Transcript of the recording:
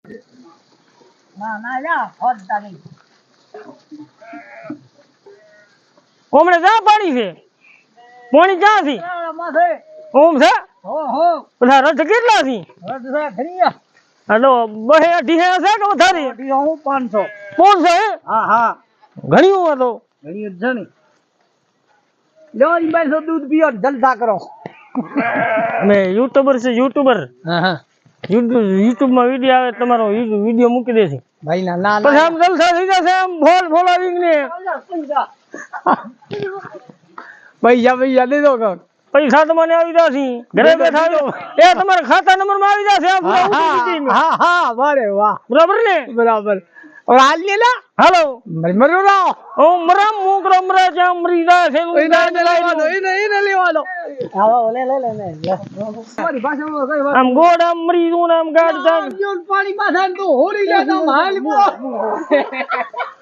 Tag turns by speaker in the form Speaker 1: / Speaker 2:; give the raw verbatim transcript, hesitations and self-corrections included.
Speaker 1: ના ના જા હોદતા નહીં
Speaker 2: ઓમણે જા પાણી છે પાણી ક્યાં છે
Speaker 1: માથે
Speaker 2: ઓમ છે
Speaker 1: હો હો
Speaker 2: બધા રથ કેટલા છે
Speaker 1: રદ છે ખરીયા
Speaker 2: હલો બહે અઢી હે છે કે વધારે
Speaker 1: અઢી હું પાંચસો
Speaker 2: પાંચસો હે
Speaker 1: હા હા
Speaker 2: ઘણી ઉંમર તો
Speaker 1: ઘણી જ છે ને લ્યો ઈ બાઈસો દૂધ પીઓ જલસા કરો
Speaker 2: અમે યુટ્યુબર છે યુટ્યુબર
Speaker 1: હા હા
Speaker 2: યુટ્યુબ માં વિડિયો આવે તમારો વિડિયો મૂકી દેશે
Speaker 1: ભાઈ ના ના
Speaker 2: પછી આમ જલસા થઈ જશે આમ ફોલ ફોલોવિંગ ને
Speaker 1: પૈસા પૈસા દે દો કાક
Speaker 2: પૈસા તમને આવી જશે ઘરે બેઠા આવી એ તમારા ખાતા નંબર માં આવી જશે આ પૂરા ઉઠી
Speaker 1: હા હા વારે વાહ
Speaker 2: બરાબર ને
Speaker 1: બરાબર और हाल ले ला
Speaker 2: हेलो
Speaker 1: मरो राव
Speaker 2: ओ मरम मुकरम मरा जाम मरीदा से
Speaker 1: ओए ना ले लेवा दो ए नहीं ले लेवा दो आओ ले ले ले ले हमारी भाषा में कई बात
Speaker 2: हम गोड़ा मरीदों नाम गाड़ दा
Speaker 1: पानी पाछा तो होरी ले तो हाल